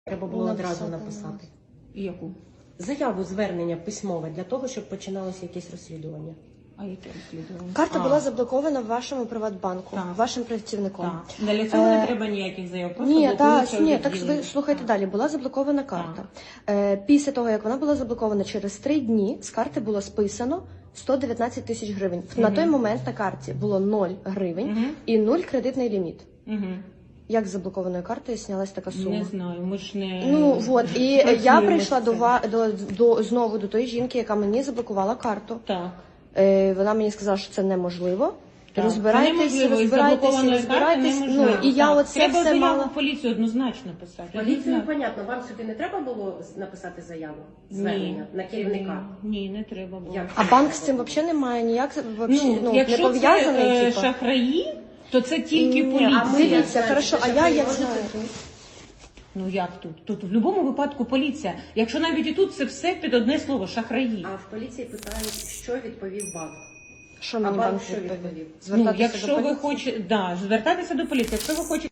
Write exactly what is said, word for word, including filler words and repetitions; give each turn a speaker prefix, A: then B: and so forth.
A: Треба було
B: Написати,
A: одразу написати.
C: І яку?
A: Заяву, звернення письмове для того, щоб починалося якесь розслідування.
C: А яке розслідування?
B: Карта
C: А,
B: була заблокована в вашому Приватбанку,
C: Так.
B: вашим працівником.
C: Так. Для цього
B: Е,
C: не треба ніяких заяв. Просто
B: Ні, та,
C: блокується
B: ні, так
C: відділення.
B: ви слухайте
C: Так.
B: далі. Була заблокована карта. Е, після того, як вона була заблокована, через три дні з карти було списано сто дев'ятнадцять тисяч гривень. На
C: Мгм.
B: той момент на карті було нуль гривень
C: Мгм.
B: і нуль кредитний ліміт.
C: Угу.
B: Як з заблокованої карти знялась така сума?
C: Не знаю, ми ж не...
B: Ну от і я
C: працюємо
B: прийшла
C: з
B: до,
C: цим.
B: ва- до, до знову до тої жінки, яка мені заблокувала карту.
C: Так.
B: Е, вона мені сказала, що це неможливо.
C: Так.
B: Розбирайтесь,
C: Це неможливо, із
B: розбирайтесь,
C: заблокованої
B: розбирайтесь.
C: карти
B: Ну
C: неможливо.
B: і я
C: Так.
B: оце
C: Треба
B: все
C: заяву
B: мала.
C: в поліцію однозначно писати.
A: Поліцію,
C: Однозначно.
A: понятно, вам сюди не треба було написати заяву, звернення
C: Ні.
A: на керівника?
C: Ні, не треба було.
A: Як?
B: А банк з цим взагалі не має ніяк вообще,
C: Ну,
B: ну, не
C: якщо це
B: пов'язаний.
C: е,
B: типу.
C: шахраї, то це тільки
B: Ні,
C: поліція.
B: а ми- Дивіться, хорошо, а я як
A: можна
B: знаю?
A: тут?
C: Ну як тут? Тут в будь-якому випадку поліція. Якщо навіть і тут це все під одне слово шахраї.
A: А в поліції питають, що відповів банк.
B: Що
A: А
B: мені
A: банк
B: банк
A: що
B: відповів?
A: відповів?
C: Ну,
B: Звертатися
C: якщо
B: до
C: ви
B: поліції?
C: хочете, да, звертатися до поліції. Якщо ви хочете